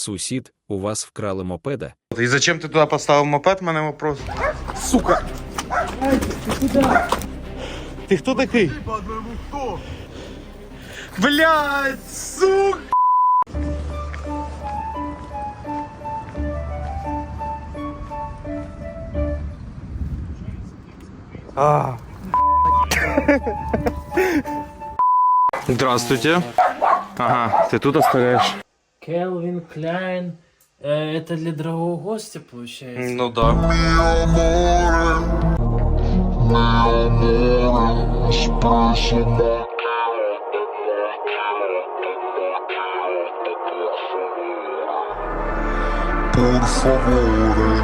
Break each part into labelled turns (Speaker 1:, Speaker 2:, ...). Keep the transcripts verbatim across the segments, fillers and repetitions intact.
Speaker 1: Сусід, у вас вкрали мопеда?
Speaker 2: И зачем ты туда поставил мопед, мене вопрос? Сука!
Speaker 3: Ты куда?
Speaker 2: Ты кто такой? Блядь, сука! А. Здравствуйте. Ага, ты тут оставляешь?
Speaker 3: Келвин Кляйн. Э, это для дорогого гостя, получается?
Speaker 2: Ну да.
Speaker 4: Por favore.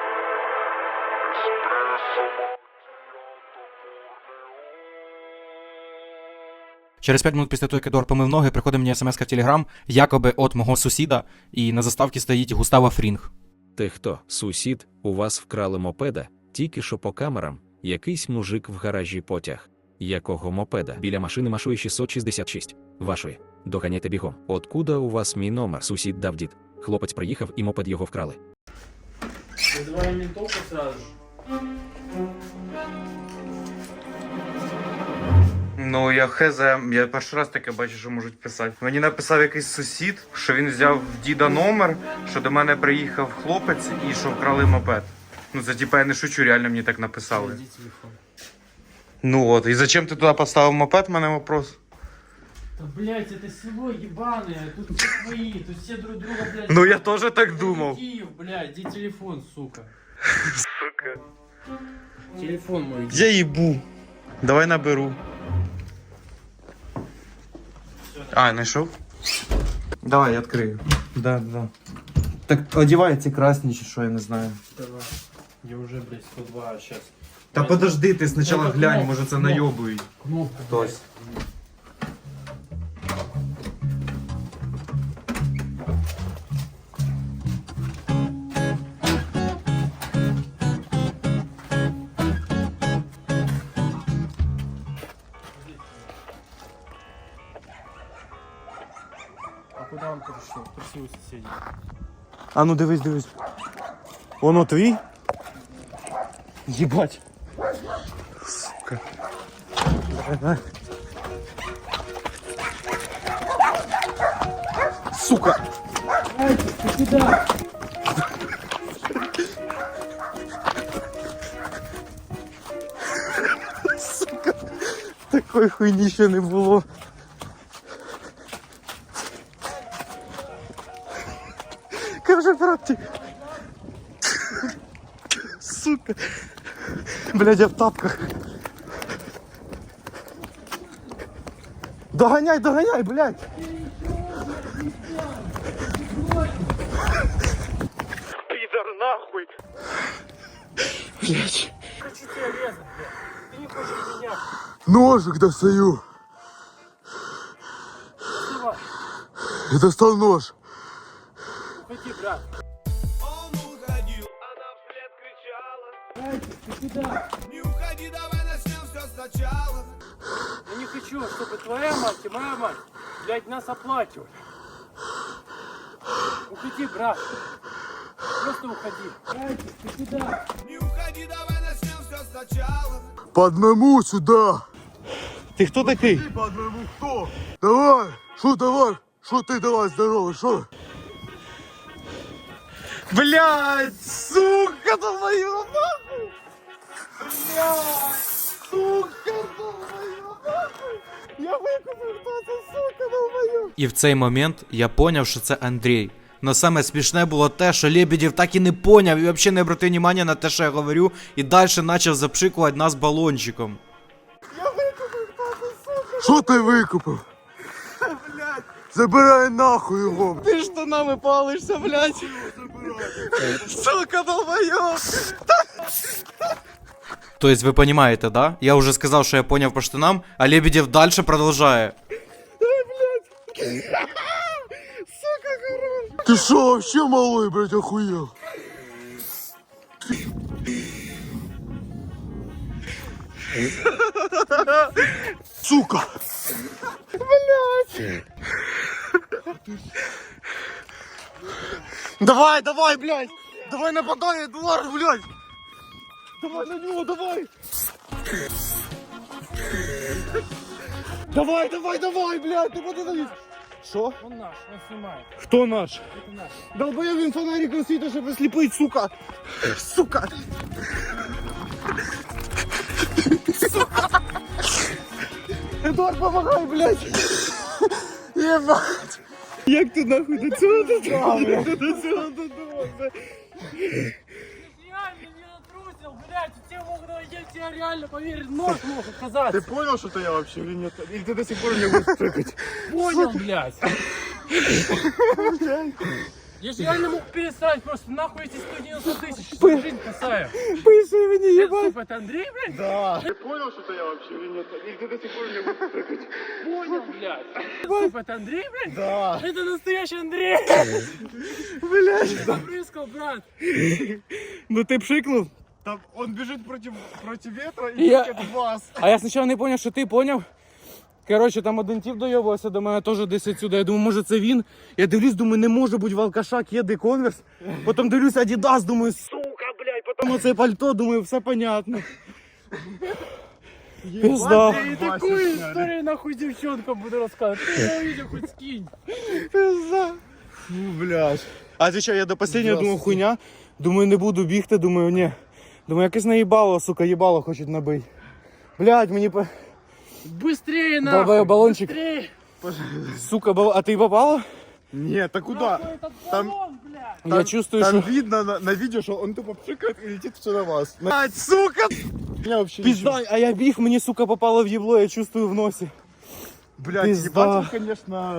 Speaker 5: Через п'ять минут після того, як Едуард помив ноги, приходить мені смс-ка в Телеграм, якоби от мого сусіда, і на заставці стоїть Густава Фрінг.
Speaker 1: Ти хто, сусід, у вас вкрали мопеда? Тільки що по камерам, якийсь мужик в гаражі потяг. Якого мопеда? Біля машини Машуї шістсот шістдесят шість. Вашої. Доганяйте бігом. Откуда у вас мій номер? Сусід дав дід. Хлопець приїхав і мопед його вкрали.
Speaker 3: Вызываем ментовку сразу же.
Speaker 2: Ну, я хз, я перший раз таке бачу, що можуть писати. Мені написав якийсь сусід, що він взяв в діда номер, що до мене приїхав хлопець і що вкрали мопед. Ну, це типа я не шучу, реально мені так написали.
Speaker 3: Иди телефон.
Speaker 2: Ну от, і зачем ти туди поставив мопед, мене вопрос?
Speaker 3: Да, блядь, это село ебаное, тут все свои, тут все друг друга, блядь.
Speaker 2: Ну я теж так думав.
Speaker 3: Киев, блядь, где телефон, сука?
Speaker 2: Сука.
Speaker 3: Телефон мой.
Speaker 2: Я їбу. Давай наберу. А, знайшов? Давай, я відкрию. Да, да. Так одівай ці красні чи що, я не знаю.
Speaker 3: Давай. Я уже, блядь, сто два, а сейчас.
Speaker 2: Та подожди, ти спочатку
Speaker 3: Це
Speaker 2: глянь,
Speaker 3: кнопка,
Speaker 2: може це
Speaker 3: кнопка.
Speaker 2: найобують.
Speaker 3: Кнопка.
Speaker 2: Хтось.
Speaker 3: А куда он пришел? Пришли у соседей.
Speaker 2: А ну дивись, дивись. Воно твій? Єбать. Сука. Давай, давай. Сука.
Speaker 3: Ай, ты куда?
Speaker 2: Сука. Такої хуйні ще не було. Каже, братик. Сука. Блядь, я в тапках. Доганяй, доганяй, блядь. Пидор, нахуй. Блядь.
Speaker 3: Хочу тебя резать, блядь. Ты не хочешь меня.
Speaker 4: Ножик достаю.
Speaker 3: Давай,
Speaker 4: И достал нож.
Speaker 3: уходи, брат.
Speaker 6: Он уходил, она вслед кричала:
Speaker 3: Ай, ты куда?
Speaker 6: не уходи, давай начнем все сначала.
Speaker 3: Я не хочу, чтобы твоя мать и моя мать, блядь, нас оплачивали. Уходи, брат. Просто уходи. Ай, ты куда?
Speaker 6: Не уходи, давай начнем все сначала.
Speaker 4: По одному сюда.
Speaker 2: Ты кто такой?
Speaker 6: По одному кто?
Speaker 4: Давай. Шо давай? Шо ты давай, здорово, шо?
Speaker 2: Блядь, сука, твою нахуй! Блядь, сука, твою нахуй! Я викупив, хто це, сука, долбою!
Speaker 5: І в цей момент я поняв, що це Андрій. Но саме смішне було те, що Лебедєв так і не поняв і взагалі не обратив уваги на те, що я говорю, і далі почав запшикувати нас балончиком.
Speaker 2: Я викупив, хто це, сука!
Speaker 4: Шо ти викупив?
Speaker 2: Блядь,
Speaker 4: Забирай нахуй його.
Speaker 2: ти штанами палишся, блядь! Сука, долбойоб!
Speaker 5: То есть вы понимаете, да? Я уже сказал, что я понял по штанам, а Лебедев дальше продолжает.
Speaker 4: Ты шо вообще малой, блядь, охуел? Сука! Давай, давай, блядь! Давай нападай, Эдуард, блядь! Давай на него, давай! Давай, давай, давай, блядь, ты подавись! Что?
Speaker 3: Он наш, он снимает.
Speaker 4: Кто наш?
Speaker 3: Это наш.
Speaker 4: Долбоёб, він фонариком світить, щоб осліпить, сука! Сука! Сука! Эдуард, помогай, блядь! Ебать! Як ти нахуй до цього додумав, блядь? До цього додумав, блядь?
Speaker 3: Реально не натрусил, блядь, все могут найти, тебе реально поверить, нож мог оказаться.
Speaker 4: Ты понял, что это я вообще или нет? Или ты до сих пор мне будешь прыгать?
Speaker 3: Понял, блядь. Я же реально мог перестать, просто нахуй эти сто девяносто тысяч, что жизнь касаю.
Speaker 4: Пыши мне,
Speaker 3: Это,
Speaker 4: ебать!
Speaker 3: сука, это Андрей, блядь?
Speaker 4: Да. Ты понял, что это я вообще или нет? Или ты до сих пор мне будешь прыгать?
Speaker 3: Понял, блядь. Сука, это Андрей, блядь?
Speaker 4: Да.
Speaker 3: Это настоящий Андрей.
Speaker 4: Блядь.
Speaker 3: Запрыскал, брат.
Speaker 4: Ну ты пшикнул? Там он бежит против, против ветра и
Speaker 3: Я-
Speaker 4: тыкает в вас.
Speaker 3: А я сначала не понял, що ти поняв. Коротше, там один тип доєбувався до мене теж десь відсюди. Я думаю, може це він. Я дивлюсь, думаю, не може бути в алкаша, кеди, конверс. Потім дивлюсь, Адідас, думаю, сука, блядь. Потім оце пальто, думаю, все понятно. Пизда.
Speaker 4: И такую
Speaker 3: історію нахуй дівчонкам буду розказувати. Ти не увидел, хоч скинь.
Speaker 4: Пизда. Фу, блядь. А ти що, я до останнього думав хуйня. Думаю, не буду бігти, думаю, ні. Думаю, якесь наїбало, сука, їбало хочуть набити. Блядь, мені по...
Speaker 3: Быстрее, нахуй.
Speaker 4: Долбоёб, баллончик.
Speaker 3: Быстрее.
Speaker 4: Сука, бал... а ты попала? Нет, а куда?
Speaker 3: Нахуй этот
Speaker 4: Там-
Speaker 3: баллон, блядь.
Speaker 4: Я чувствую, там что... видно на, на видео, что он тупо пшикает и летит все на вас. Блядь, сука! Меня вообще
Speaker 3: Пизда, а я біг, мені, сука, попало в єбло, я чувствую в носі.
Speaker 4: Блядь,
Speaker 3: пизда.
Speaker 4: ебать, он, конечно...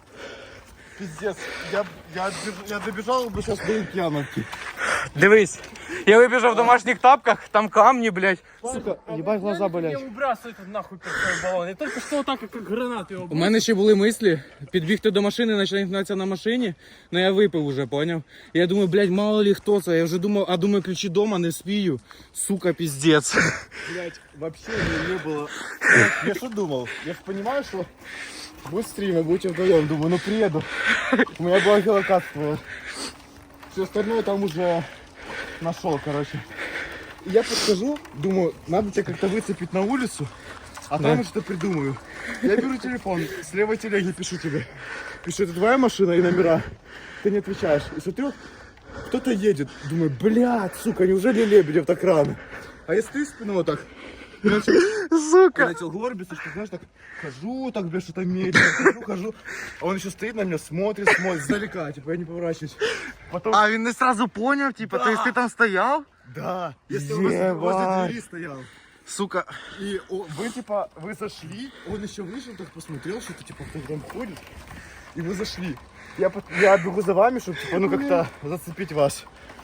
Speaker 4: Пиздец. Я, я, я добежал бы сейчас до Лукьяновки.
Speaker 2: Дивись, я вибіжав в домашніх тапках, там камні, блядь.
Speaker 3: Сука,
Speaker 4: ебать, глаза болять.
Speaker 3: Я выбрасываю этот нахуй пустой баллон. Я только что вот так, как гранату его.
Speaker 7: У мене ще були мислі підбігти до машини, почати гнатися на машині, але я випив уже, поняв? Я думаю, блядь, мало ли хто це. Я вже думав, а думаю, ключі дома не спію. Сука, піздець.
Speaker 4: Блядь, вообще не, не было. Я что думал? Я же понимаю, что будет стрим, и будете вдвоем. Думаю, ну приеду. У меня была геолокация. Все остальное там уже нашел, короче. И я подхожу, думаю, надо тебя как-то выцепить на улицу, а там я что-то придумаю. Я беру телефон, с левой телеги пишу тебе. Пишу, это твоя машина и номера. Ты не отвечаешь. И смотрю, кто-то едет. Думаю, блядь, сука, неужели Лебедев так рано? А я стою спиной вот так. Я начал, сука! Я начал горбиться, что, знаешь, так хожу, так, блядь, что-то медленно, хожу, хожу. А он еще стоит на меня, смотрит, смотрит, издалека, типа, я не поворачиваюсь. Потом...
Speaker 2: А він не сразу поняв, типа, то есть ти там стояв?
Speaker 4: Да, если он возле, возле двери стоял.
Speaker 2: Сука.
Speaker 4: И о, вы, типа, вы зашли, он еще вышел, так посмотрел, что-то, типа, кто-то там ходит. И вы зашли. Я, под- я бегу за вами, чтобы, типа, ну, как-то зацепить вас.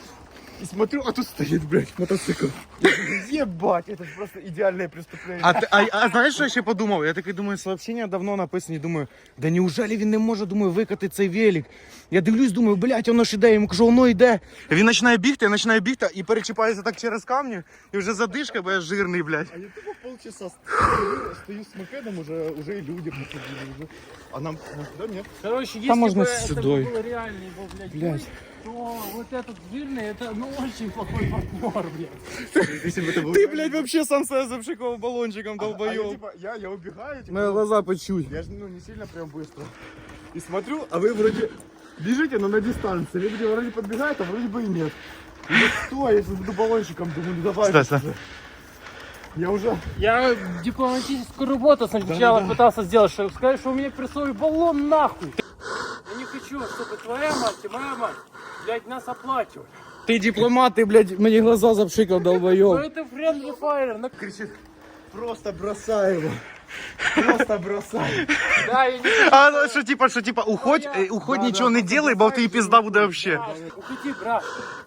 Speaker 4: И смотрю, а тут стоит, блядь, мотоцикл. Я говорю, ебать, это же просто идеальное преступление.
Speaker 2: А, ти- а, а знаєш, що я ще подумав? Я такий думаю, сообщення давно написані, думаю, да неужели він не може, думаю, викати цей велик? Я дивлюсь, думаю, блядь, воно ж іде, йому кажу, воно йде. Він починає бігти, я починаю бігти і перечіпаюся так через камні, і вже задишка, бо я жирний, блядь.
Speaker 4: А я тупо полчаса стою, стою с мопедом, уже, уже и люди подходили. Уже. А нам, нам туда нет.
Speaker 3: Короче, если
Speaker 7: Там можно
Speaker 3: бы
Speaker 7: с
Speaker 3: это
Speaker 7: сюдой.
Speaker 3: было реально его, блядь,
Speaker 7: Блядь.
Speaker 3: бой, то вот этот жирный, это, ну, очень плохой партнер, блядь.
Speaker 4: Если бы это был...
Speaker 7: Ти, блядь, вообще сам себе запшикував балончиком,
Speaker 4: А, а я,
Speaker 7: долбойоб.
Speaker 4: типа, я, я убегаю, типа,
Speaker 7: Мои глаза почуй.
Speaker 4: я же, ну, не сильно прям быстро. И смотрю, а вы вроде бежите, но на дистанции. Люди вроде подбегают, а вроде бы и нет. И я стой, я сейчас буду баллончиком, думаю, ну давай.
Speaker 2: Стой, стой.
Speaker 4: уже. Я уже...
Speaker 3: Я дипломатическую работу сначала пытался сделать, чтобы сказать, что у меня прессовый баллон нахуй. Я не хочу, чтобы твоя мать и моя мать, блядь, нас оплачивали.
Speaker 7: Ти дипломат, ти, блядь, мені глаза запшикав,
Speaker 3: Ну
Speaker 7: долбойоб.
Speaker 3: это friendly fire, на...
Speaker 4: Кричит, просто бросай его. Просто бросай.
Speaker 3: Да, я не
Speaker 2: А ну, що типа, що типа, уходь, е, уходь,
Speaker 4: Да,
Speaker 2: нічого
Speaker 4: да,
Speaker 2: не
Speaker 4: просто
Speaker 2: делай, бо в
Speaker 4: бросай,
Speaker 2: тебе пізда буде
Speaker 3: Да,
Speaker 2: вообще.
Speaker 3: уходи, брат.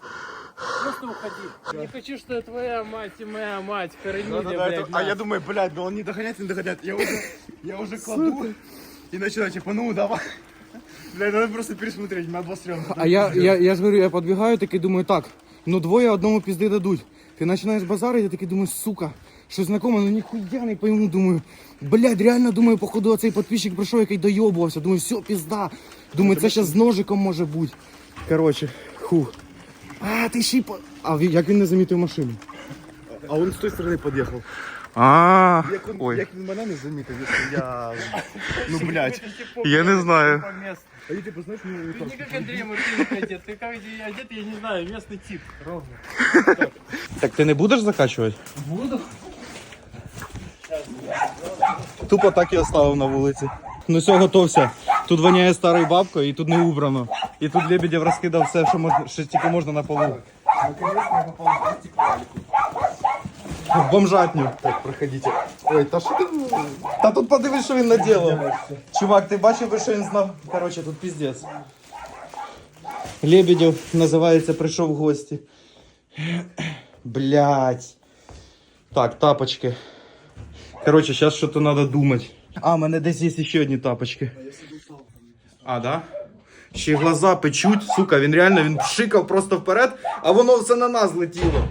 Speaker 3: Просто уходи. Не хочу, что твоя мать и моя мать хоронили,
Speaker 4: Да-да-да,
Speaker 3: блядь,
Speaker 4: это- а
Speaker 3: нас.
Speaker 4: я думаю, блядь, да он не догонять, не догонять. Я уже, я уже кладу и начинаю, типа, ну давай. Блядь, надо просто пересмотреть, на два стрёмно.
Speaker 7: А я, я, я ж говорю, я підбігаю, такий думаю, так, ну двоє одному пізди дадуть. Ти починаєш базарити, я такий думаю, сука, що знакоме, ну ніхуя не пойму, думаю, блядь, реально, думаю, походу оцей підписчик прийшов, який дойобувався, думаю, все, пізда. Думаю, це зараз з ножиком може бути.
Speaker 3: Короче, ху. А, ти ще й по... А він- як він не замітив машину?
Speaker 4: А он с той стороны подъехал.
Speaker 3: А,
Speaker 4: Як він,
Speaker 3: ой,
Speaker 4: як він мене не замітив, якщо я... Ну, блядь.
Speaker 3: я не знаю.
Speaker 4: А я типу, знаєш, ну,
Speaker 8: Ты не как Андрей Мартыненко одет, ты как одет, я не знаю, местный тип, ровно.
Speaker 3: Так ти не будеш закачувати?
Speaker 8: Буду.
Speaker 3: Тупо так і оставив на вулиці. Ну все, готовся. Тут воняє старою бабкою і тут не убрано. І тут Лебедєв розкидав все, що, можна, що тільки можна на полу. В бомжатню.
Speaker 4: Так, проходите. Ой, та що ти?
Speaker 3: Та тут подивись, що він наділав. Чувак, ти бачив би, що він знав? Короче, тут піздець. Лебедєв, називається, прийшов в гості. Блять. Так, тапочки. Короче, зараз щось треба думати. А, у мене десь є ще одні тапочки. А, да? Ще глаза печуть, сука, він реально, він пшикав просто вперед, а воно все на нас летіло.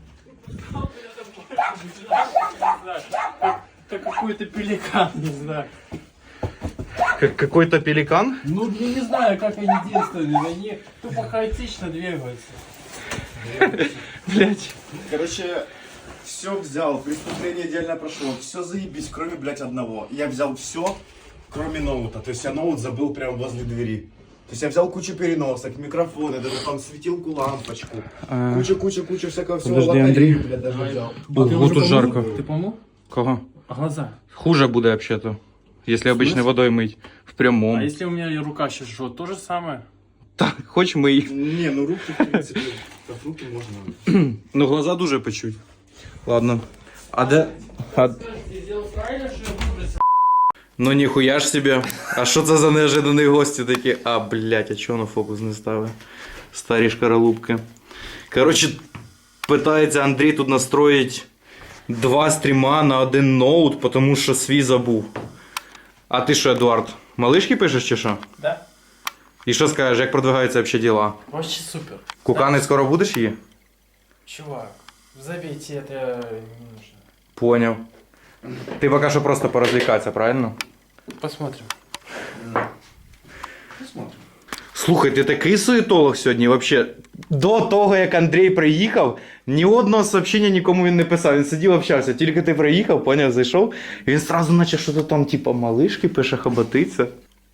Speaker 8: Как какой-то пеликан, не знаю.
Speaker 3: Как какой-то пеликан?
Speaker 8: Ну, я не знаю, как они действуют, они тупо хаотично двигаются.
Speaker 3: Блять.
Speaker 4: Короче, все взял, преступление идеально прошло, все заебись, кроме, блядь, одного. Я взял все, кроме ноута. То есть я ноут забыл прямо возле двери. То есть я взял кучу переносок, микрофоны, даже там светилку, лампочку. Куча, куча, куча всякого всего.
Speaker 3: Подожди,
Speaker 4: Лотерею,
Speaker 3: Андрей.
Speaker 4: блядь, даже взял.
Speaker 3: Ого, тут жарко.
Speaker 8: Ты помыл?
Speaker 3: Кого?
Speaker 8: Глаза.
Speaker 3: Хуже буде вообще-то. Если обычной водой мыть. В прямом.
Speaker 8: А если у меня рука сейчас жжет, то же самое?
Speaker 3: Так, хоч мий.
Speaker 4: Не, ну руки, в принципе, как руки можно.
Speaker 3: Ну глаза дуже печуть. Ладно. А де? А...
Speaker 8: Ты сделал правильно, что я выбросил?
Speaker 3: Ну ніхуя ж себе. А що це за неожидані гості такі? А, блядь, а чого на фокус не ставить? Старі шкаралупки. Коротше, питається Андрій тут настроїть два стріма на один ноут, тому що свій забув. А ти що, Едуард, малишки пишеш чи що?
Speaker 8: Да.
Speaker 3: І що скажеш, як продвигаються взагалі діла?
Speaker 8: Вообще супер.
Speaker 3: Кукани скоро будеш її?
Speaker 8: Чувак, забейте, это не нужно.
Speaker 3: Поняв. Ти поки що просто порозвлікатися, правильно?
Speaker 8: Посмотрим.
Speaker 3: Слухай, ти такий суєтолог сьогодні, вообще. До того, як Андрій приїхав, ні одного сообщення нікому він не писав. Він сидів, общався. Тільки ти приїхав, поняв, зайшов, і він сразу наче що-то там, типа, малишки пише, хоботиться.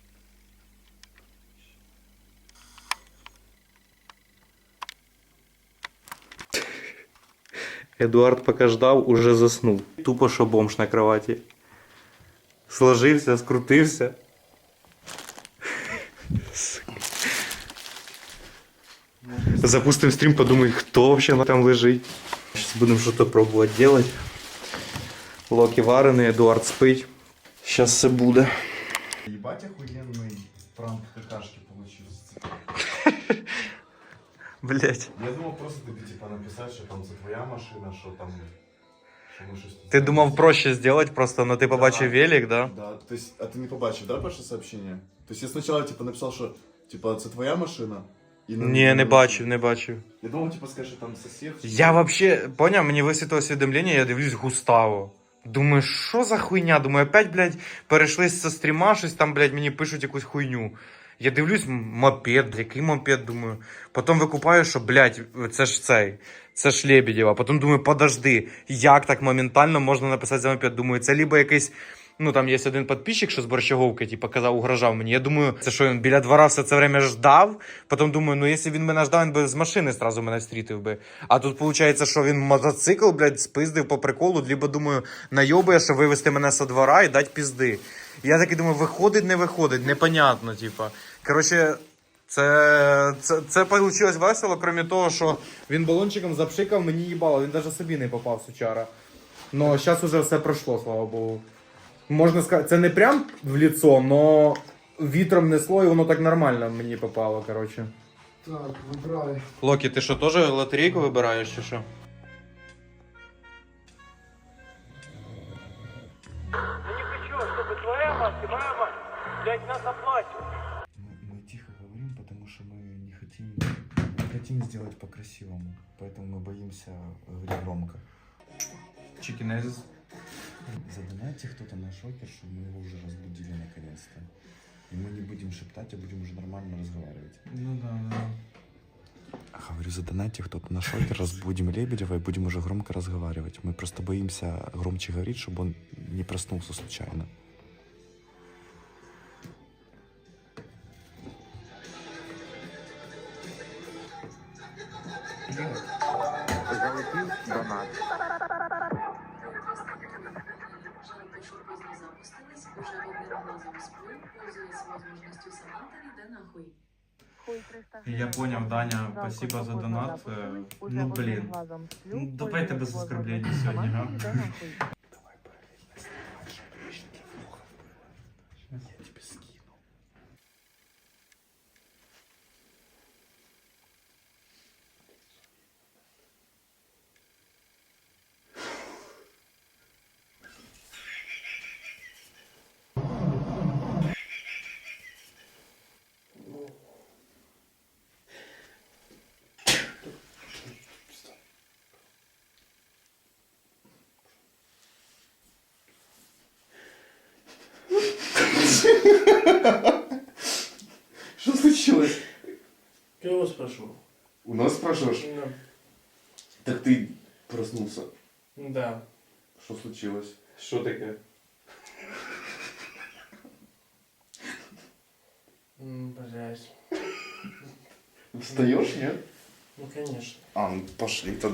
Speaker 3: Едуард поки ждав, уже заснув. Тупо що бомж на кроваті. Сложився, скрутився. Запустим стрим, подумай, кто вообще там лежить. Сейчас будем что-то пробовать делать. Локи вареный, Эдуард спить. Сейчас все буде.
Speaker 4: Ебать охуенный пранк какашки получился.
Speaker 3: Блять.
Speaker 4: Я думал просто ты типа написать, что там за твоя машина, что там... Что мы что-то...
Speaker 3: Ти думав проще сделать просто, но ти побачив велик, да?
Speaker 4: Да, то есть, а ты не побачив, да, перше сообщение? То есть я сначала типа написал, что типа це твоя машина? І на-
Speaker 3: Ні, не бачив, не бачив.
Speaker 4: Я думал, типа скажешь, що там сосед.
Speaker 3: Я вообще, поняв, мені висвітло усвідомлення, я дивлюсь Густаво. Думаю, що за хуйня? Думаю, опять, блядь, перейшли з стріма, щось там, блядь, мені пишуть якусь хуйню. Я дивлюсь, мопед, блядь, який мопед, думаю. Потім викупаю, що, блядь, це ж цей, це ж Лебедєва. Потім думаю, подожди, як так моментально можна написати за мопед? Думаю, це либо якийсь, ну там є один підписчик, що з Борщаговки, типу, казав, угрожав мені. Я думаю, це що він біля двора все це время ждав. Потім думаю, ну якщо він мене ждав, він би з машини зразу мене встрітив би. А тут виходить, що він мотоцикл, блядь, спиздив по приколу, либо думаю, найобує, що вивезти мене со двора і дати пізди. Я таки думаю, виходить, не виходить, непонятно, типа. Коротше, це, це, це вийшло весело, крім того, що він балончиком запшикав, мені їбало, він навіть собі не попав, сучара. Но зараз уже все пройшло, слава Богу. Можна сказати, це не прям в лицо, но вітром несло і воно так нормально мені попало, коротше.
Speaker 4: Так, вибирай.
Speaker 3: Локі, ти що, теж лотерейку вибираєш чи що?
Speaker 8: Я не хочу, чтобы твоя мать и моя мать, блядь, нас оплатят.
Speaker 9: Мы, мы тихо говорим, потому что мы не хотим, не хотим сделать по-красивому. Поэтому мы боимся говорить громко.
Speaker 3: Чикинезис.
Speaker 9: Задонайте кто-то на шокер, чтобы мы его уже разбудили наконец-то. И мы не будем шептать, а будем уже нормально разговаривать.
Speaker 3: Ну да, да.
Speaker 9: Говорю, задонайте кто-то на шокер, разбудим Лебедева и будем уже громко разговаривать. Мы просто боимся громче говорить, чтобы он не проснулся случайно.
Speaker 3: Я понял, Даня, спасибо за донат. Э, Ну блин. Ну, давайте без оскорблений сегодня, га?
Speaker 9: Давай параллельно снимать, чтобы лишние флохов было. Я тебе скину. Что случилось?
Speaker 8: Я его спрошу.
Speaker 9: У нас спрашиваешь?
Speaker 8: Да.
Speaker 9: Так ты проснулся.
Speaker 8: Да.
Speaker 9: Что случилось?
Speaker 3: Що таке?
Speaker 8: М, Блядь.
Speaker 9: Встаешь, нет?
Speaker 8: Ну, конечно.
Speaker 9: А, ну пошли тогда.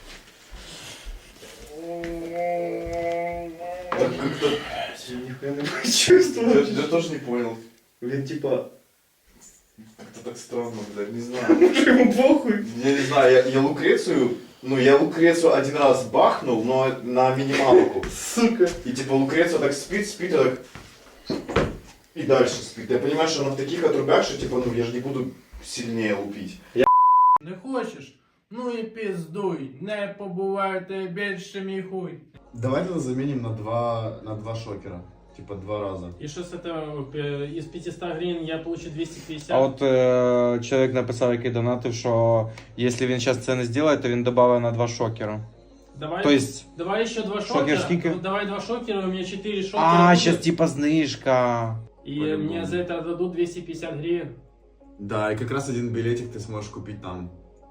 Speaker 9: Так как-то...
Speaker 8: Я нихуя не
Speaker 9: Я, я тоже не понял. Блин, типа... Как-то так странно, блядь, не знаю.
Speaker 8: Может, ему похуй?
Speaker 9: Я не знаю, я, я Лукрецию... Ну, я Лукрецию один раз бахнул, но на минималку.
Speaker 8: Сука.
Speaker 9: И типа Лукреция так спит, спит, и так... И дальше спит. Я понимаю, что она в таких отрубях, что типа, ну, я же не буду сильнее лупить.
Speaker 8: Не хочеш? Ну і пиздуй. Не побувайте більше мій хуй.
Speaker 4: Давай тогда заменим на два, на два шокера. Типа два раза.
Speaker 8: І що з этого, е, із пятьсот гривень я получу двести пятьдесят?
Speaker 3: А от е, чоловік написав, який донатив, що якщо він зараз це не зробить, то він додає на два шокера.
Speaker 8: Давай,
Speaker 3: То есть...
Speaker 8: давай еще два
Speaker 3: шокер
Speaker 8: шокера.
Speaker 3: скільки?
Speaker 8: Ну, давай два шокера, у меня четыре шокера.
Speaker 3: А,
Speaker 8: будет.
Speaker 3: зараз типа знижка.
Speaker 8: И
Speaker 9: По-любому.
Speaker 8: мне за это дадут двести пятьдесят гривен.
Speaker 4: Да, и как раз один билетик ты сможешь купить там.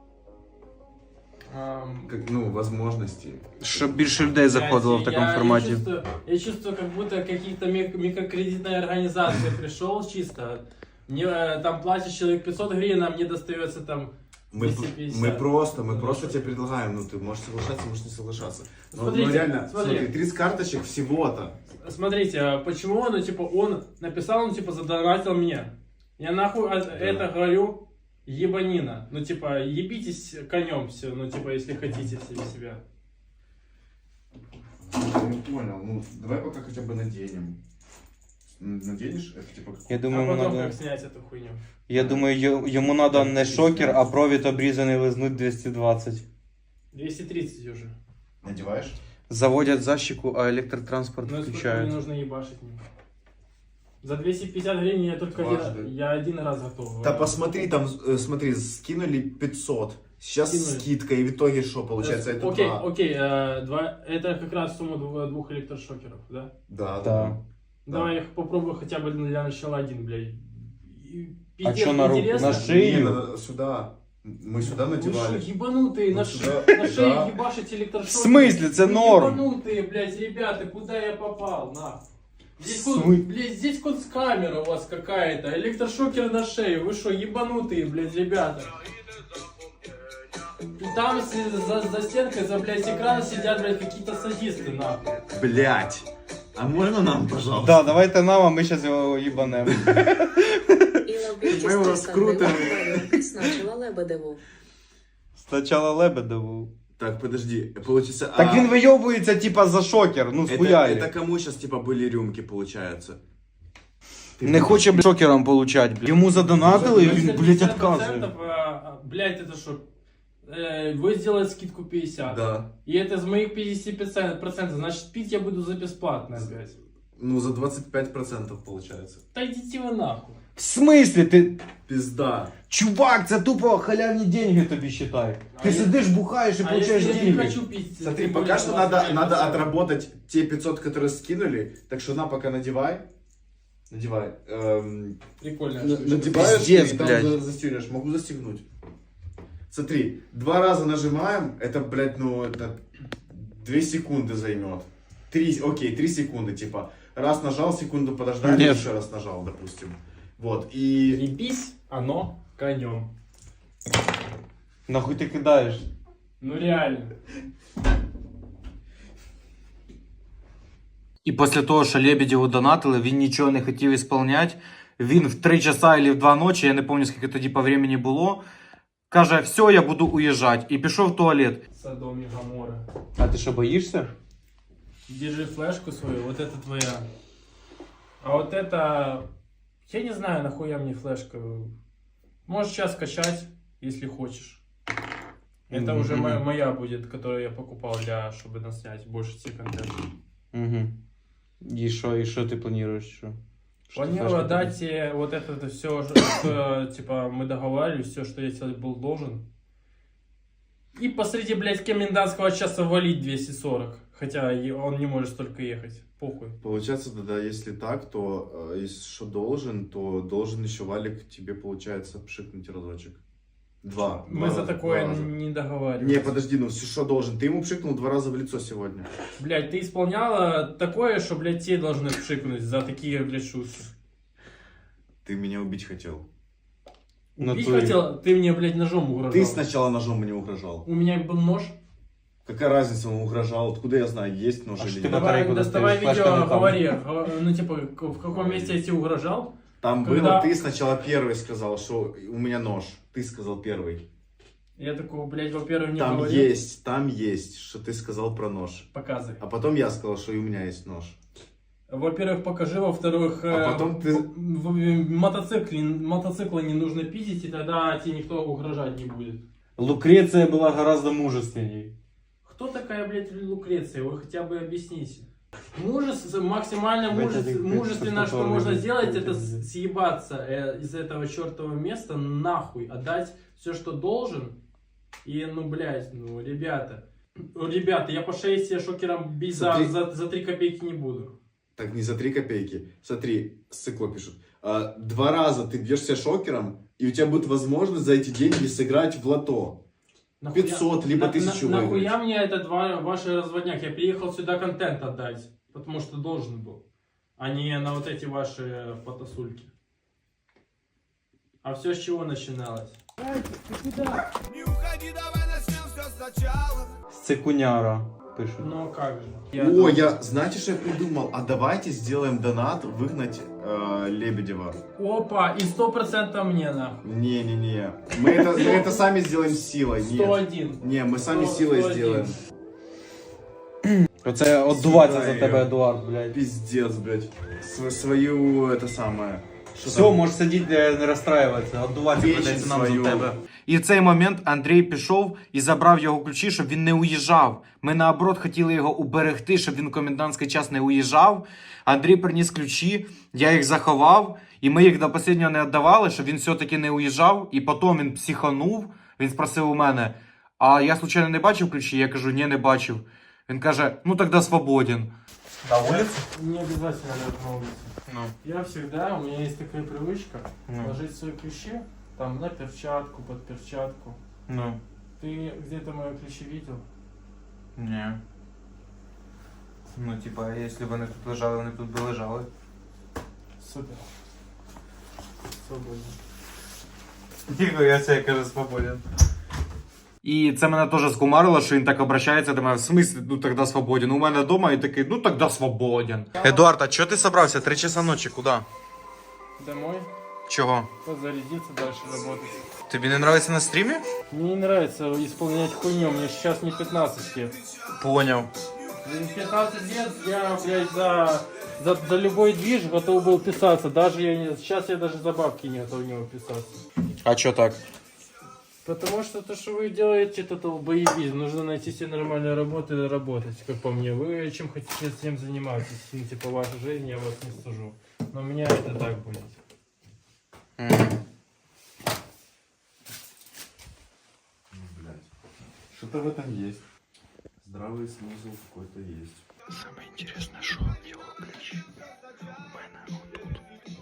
Speaker 8: Ам,
Speaker 4: Как, ну, возможности.
Speaker 3: Щоб більше людей заходило в
Speaker 8: блядь,
Speaker 3: такому
Speaker 8: я,
Speaker 3: форматі.
Speaker 8: Я чувствую, я чувствую, как будто какие-то мик- микрокредитная организация пришел чисто. Мне э, там платит человек пятьсот гривен, а мне достается там
Speaker 4: Мы,
Speaker 8: двести пятьдесят.
Speaker 4: мы просто, мы
Speaker 8: Ну,
Speaker 4: просто
Speaker 8: что?
Speaker 4: тебе предлагаем, ну ты можешь соглашаться, можешь не соглашаться. Но,
Speaker 8: Смотрите,
Speaker 4: но реально,
Speaker 8: смотри.
Speaker 4: смотри, тридцать карточек всего-то.
Speaker 8: Смотрите, а почему, ну, типа, он написал, ну, типа, задонатил мне. Я нахуй а, это говорю, ебанина. Ну, типа, ебитесь конем все, ну, типа, если хотите себе себя.
Speaker 4: Я не понял, ну давай пока хотя бы наденем. М, Наденешь? Это типа...
Speaker 3: Я
Speaker 8: А
Speaker 3: думаю,
Speaker 8: потом
Speaker 3: надо...
Speaker 8: как снять эту хуйню?
Speaker 3: Я думаю, ё- йому треба не шокер, а провід обрізаний лизнуть двісті двадцять.
Speaker 8: двести тридцать уже.
Speaker 4: Надеваешь?
Speaker 3: Заводять защику, а електротранспорт
Speaker 8: Ну, сколько мне
Speaker 3: включають.
Speaker 8: нужно ебашить мне? За двести пятьдесят гривен я только
Speaker 4: Дважды.
Speaker 8: один, я один раз готов.
Speaker 4: Да посмотри, там, э, смотри, скинули пятьсот. Сейчас
Speaker 8: Скинули.
Speaker 4: скидка, и в итоге что получается? Это
Speaker 8: Окей,
Speaker 4: два.
Speaker 8: окей, э, два, это как раз сумма двух, двух электрошокеров, да?
Speaker 4: Да,
Speaker 3: Да.
Speaker 4: да.
Speaker 8: Давай я их попробую хотя бы для начала один, блядь. И
Speaker 3: А
Speaker 8: пиздец
Speaker 3: чё на руку?
Speaker 8: интересно.
Speaker 3: На шею?
Speaker 4: Не, надо сюда. Мы сюда
Speaker 8: Вы
Speaker 4: надевали.
Speaker 8: что, ебанутые,
Speaker 4: Вот
Speaker 8: на,
Speaker 4: сюда,
Speaker 8: ше- на шее
Speaker 4: да.
Speaker 8: ебашить электрошокер?
Speaker 3: В смысле? Це
Speaker 8: Вы
Speaker 3: норм.
Speaker 8: Ебанутые, блядь, ребята, куда я попал, нахуй? Здесь,
Speaker 3: В
Speaker 8: кун-
Speaker 3: смы-
Speaker 8: блядь, здесь камера у вас какая-то, электрошокер на шею, вы что, ебанутые, блядь, ребята? И там с- за, за стенкой, за, блядь, экрана сидят, блядь, какие-то садисты, нахуй.
Speaker 4: Блять. А можно нам, пожалуйста?
Speaker 3: Да, давайте нам, а ми зараз його їбанемо.
Speaker 4: Ми його скрутимо.
Speaker 10: Значила Лебедеву.
Speaker 3: Спочатку Лебедеву.
Speaker 4: Так, подожди, получится...
Speaker 3: Так
Speaker 4: а,
Speaker 3: він вийобується, типа, за шокер, ну
Speaker 4: это,
Speaker 3: схуяли.
Speaker 4: это кому сейчас, типа, были рюмки, получается? Ты
Speaker 3: Не хоче, блядь, шокером получать, блядь. Йому задонатили, і він, блядь,
Speaker 8: пятьдесят
Speaker 3: відказує.
Speaker 8: процентов, а, а, блядь, это что? Э, Вы сделаете скидку пятьдесят.
Speaker 4: Да.
Speaker 8: И это из моих пятьдесят процентов, значит пить я буду за бесплатно опять.
Speaker 4: Ну, за двадцать пять процентов получается.
Speaker 8: Да идите вы нахуй.
Speaker 3: В смислі? Ти...
Speaker 4: Пизда.
Speaker 3: Чувак, це тупо халявні деньги тобі считай. Ти
Speaker 8: А
Speaker 3: сидиш, бухаєш і
Speaker 8: А
Speaker 3: получаєш
Speaker 8: если я не
Speaker 3: деньги.
Speaker 8: хочу пить?
Speaker 4: Смотри,
Speaker 8: тем
Speaker 4: пока
Speaker 8: более
Speaker 4: что
Speaker 8: двадцать
Speaker 4: надо,
Speaker 8: пять
Speaker 4: надо
Speaker 8: процентов.
Speaker 4: отработать те пятьсот, которые скинули. Так что на, пока надевай.
Speaker 9: Надевай. Эм,
Speaker 8: Прикольная
Speaker 9: на-
Speaker 8: штучка.
Speaker 9: надеваешь
Speaker 5: Пиздец,
Speaker 9: и там
Speaker 5: блядь.
Speaker 9: за- застегнешь. Могу застегнуть. Смотри, два раза нажимаем, это, блядь, ну, это две секунды займет. Три, окей, три секунды, типа. Раз нажал, секунду подождали,
Speaker 5: Нет.
Speaker 9: еще раз нажал, допустим. Вот, и...
Speaker 8: Ребись, оно конем.
Speaker 5: Нахуй ти кидаєш?
Speaker 8: Ну реально.
Speaker 5: І після того, що Лебедєву донатили, він нічого не хотів ісполняти. Він в три часа або в два ночі, я не пам'ятаю, скільки тоді по времени було, каже, все, я буду уїжджати. І пішов в туалет.
Speaker 8: Содом и Гоморра.
Speaker 5: А ти що, боїшся?
Speaker 8: Держи флешку свою, вот это твоя. А вот это... Я не знаю, нахуя мне флешка. Можешь сейчас скачать, если хочешь. Это
Speaker 5: Мгм,
Speaker 8: уже
Speaker 5: мгм.
Speaker 8: моя, моя будет, которую я покупал, для, чтобы наснять больше тебе контента.
Speaker 5: Угу. І що, і що ти плануєш? Що? Що ти
Speaker 8: Планирую
Speaker 5: флешку
Speaker 8: отдать тебе вот это все, что, типа, мы договаривались, все, что я тебе был должен. И посреди, блядь, комендантского часа валить двести сорок. Хотя и он не может столько ехать. Похуй.
Speaker 9: Получается, да, да, если так, то, э, если что должен, то должен еще Валик тебе, получается, пшикнуть разочек. Два.
Speaker 8: Мы
Speaker 9: Два
Speaker 8: за
Speaker 9: раза,
Speaker 8: такое
Speaker 9: два раза.
Speaker 8: не договаривались.
Speaker 9: Не, подожди, ну что должен? Ты ему пшикнул два раза в лицо сегодня.
Speaker 8: Блядь, ты исполняла такое, что, блядь, те должны вшикнуть за такие, блядь, шутки.
Speaker 9: Ты меня убить хотел.
Speaker 8: Убить хотел, ты мне, блядь, ножом угрожал.
Speaker 9: Ты сначала ножом мне угрожал.
Speaker 8: У меня был нож.
Speaker 9: Какая разница, он угрожал? Откуда я знаю, есть нож
Speaker 5: А
Speaker 9: или
Speaker 5: что
Speaker 9: нет?
Speaker 5: ты
Speaker 8: Давай,
Speaker 5: батарейку
Speaker 8: доставай
Speaker 5: достаешь,
Speaker 8: видео,
Speaker 5: флешка не там.
Speaker 8: говори. Го- Ну, типа, к- в каком месте я тебе угрожал?
Speaker 9: Там
Speaker 8: Когда-
Speaker 9: было, ты сначала первый сказал, что у меня нож. Ты сказал первый.
Speaker 8: Я такой, блядь, во-первых, не
Speaker 9: Там
Speaker 8: говорил.
Speaker 9: есть, там есть, что ты сказал про нож.
Speaker 8: Показывай.
Speaker 9: А потом я сказал, что и у меня есть нож.
Speaker 8: Во-первых, покажи, во-вторых,
Speaker 9: А
Speaker 8: э,
Speaker 9: потом ты-
Speaker 8: в- в- мотоцикле, мотоцикла не нужно пиздить, и тогда тебе никто угрожать не будет.
Speaker 5: Лукреция была гораздо мужественней.
Speaker 8: Кто такая, блядь, Лукреция? Вы хотя бы объясните. Мужес, максимально
Speaker 5: Блядь,
Speaker 8: мужес-
Speaker 5: это как
Speaker 8: мужественно, что
Speaker 5: что-то
Speaker 8: можно
Speaker 5: вроде-
Speaker 8: сделать, это
Speaker 5: вроде-
Speaker 8: с- съебаться э, из этого чертового места нахуй, отдать все, что должен. И, ну, блядь, ну, ребята. Ну, ребята, я по шее себе шокером бить за,
Speaker 9: Смотри.
Speaker 8: за, за три копейки не буду.
Speaker 9: Так не за три копейки. Смотри, Сыкло пишет. А, два раза ты бьешься шокером, и у тебя будет возможность за эти деньги сыграть в лото.
Speaker 8: Нахуя-
Speaker 9: пятьсот, либо
Speaker 8: на-
Speaker 9: тысячу
Speaker 8: на-
Speaker 9: выиграть.
Speaker 8: Нахуя мне этот ва- ваш разводняк? Я приехал сюда контент отдать, потому что должен был. А не на вот эти ваши фотосульки. А все с чего начиналось?
Speaker 6: Не уходи, давай начнем все сначала.
Speaker 5: Цикуняра, пишуть.
Speaker 8: Ну как же.
Speaker 9: О, я, знаете, что я придумал? А давайте сделаем донат, выгнать э, Лебедева.
Speaker 8: Опа, и сто процентов мне нахуй.
Speaker 9: Не-не-не. Мы это, мы это сами сделаем силой.
Speaker 8: сто
Speaker 9: Нет.
Speaker 8: один.
Speaker 9: Не, мы сами
Speaker 8: сто-
Speaker 9: силой
Speaker 8: сто один.
Speaker 9: сделаем.
Speaker 5: Оце одуватися за
Speaker 9: Сюда
Speaker 5: тебе,
Speaker 9: её.
Speaker 5: Едуард, блядь.
Speaker 9: Пиздец, блядь. Св- свою, это самое. Что
Speaker 5: Все,
Speaker 9: там?
Speaker 5: можеш сидіти, не розстраюватися, одуватися
Speaker 9: Печень
Speaker 5: придеться нам
Speaker 9: свою.
Speaker 5: за тебе. І в цей момент Андрій пішов і забрав його ключі, щоб він не уїжджав. Ми наоборот хотіли його уберегти, щоб він в комендантський час не уїжджав. Андрій приніс ключі, я їх заховав, і ми їх до останнього не віддавали, щоб він все-таки не уїжджав. І потім він психанув, він спросив у мене, а я случайно не бачив ключі? Я кажу, ні, не бачив. Він каже, ну тоді свободен. На вулиці?
Speaker 8: Не обязательно лежать на улице.
Speaker 5: Ну.
Speaker 8: Я всегда, у меня есть такая привычка,
Speaker 5: Ну.
Speaker 8: ложить свои ключи там на перчатку, под перчатку.
Speaker 5: Ну.
Speaker 8: Ты где-то мои ключи видел?
Speaker 5: Ні. Ну, типа, якщо вони тут лежали, вони тут би лежали.
Speaker 8: Супер. Свободно.
Speaker 5: Тихо, я себе кажу свободен. І це мене теж скумарило, що він так обращається до мене. В смислі, ну тоді свободен. У мене вдома і такий, ну тоді свободен. Едуард, а чого ти собрався? Три часа ночі, куди?
Speaker 8: Домой,
Speaker 5: Чого?
Speaker 8: подзарядиться, дальше работать.
Speaker 5: Тобі не подобається на стрімі?
Speaker 8: Мне не нравится исполнять хуйню, мне сейчас не пятнадцать лет.
Speaker 5: Поняв.
Speaker 8: В пятнадцать лет я, блядь, за, за, за любой движ готов был писаться. Даже я не, сейчас я даже за бабки не готов в него писаться.
Speaker 5: А чого так?
Speaker 8: Потому что то, что вы делаете, это долбоебизм. Нужно найти себе нормальную работу и работать, как по мне. Вы чем хотите, тем занимаетесь. Ну, типа, ваша жизнь, я вас не сужу. Но у меня это так будет.
Speaker 9: Что-то в этом есть. Здравый смысл какой-то есть.
Speaker 1: Саме інтересне, що його ключі у мене отут.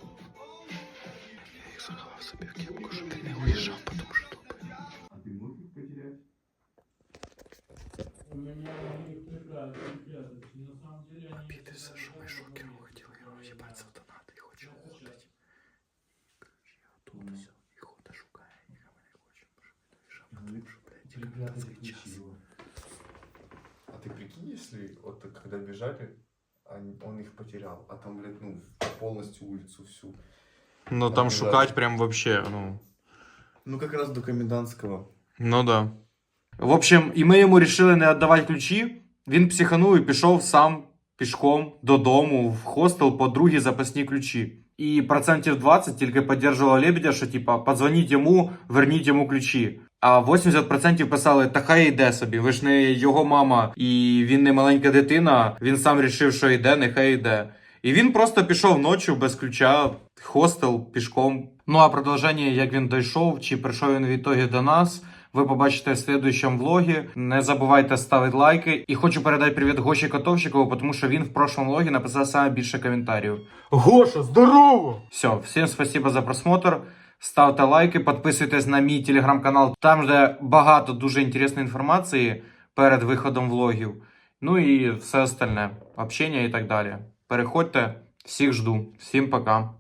Speaker 8: меня могли их припрятать, припрятать. И на самом деле они...
Speaker 3: Обидишься, що ми шокеру хотіли його їбать за донати і хоче ходити. Короче, я тут все, і хода шукає, ніхто не хоче, тому що що, блядь,
Speaker 9: Припрятать
Speaker 3: цей час.
Speaker 9: ключи его. А ты прикинь, если вот так, когда бежали, они- он их потерял, а там, блядь, ну, полностью улицу всю.
Speaker 5: Ну
Speaker 9: там
Speaker 5: там
Speaker 9: бежать.
Speaker 5: шукать прям вообще, ну.
Speaker 9: Ну, как раз до комендантского.
Speaker 5: Ну да. В общем, і ми йому рішили не віддавати ключі. Він психанув і пішов сам пішком додому в хостел по другі запасні ключі. І процентів двадцять тільки підтримувало Лебедя, що типа подзвоніть йому, верніть йому ключі. А вісімдесят відсотків писали, та хай йде собі, ви ж не його мама, і він не маленька дитина, він сам рішив, що йде, нехай йде. І він просто пішов ночі без ключа, хостел, пішком. Ну а продовження, як він дійшов, чи прийшов він в ітогі до нас, ви побачите в слідуючому влогі. Не забувайте ставити лайки. І хочу передати привіт Гоші Котовщикову, тому що він в прошлому влогі написав саме більше коментарів.
Speaker 3: Гоша, здорово!
Speaker 5: Все, всім спасибо за просмотр. Ставте лайки, підписуйтесь на мій телеграм-канал. Там де багато дуже інтересної інформації перед виходом влогів. Ну і все остальне. Общення і так далі. Переходьте. Всіх жду. Всім пока.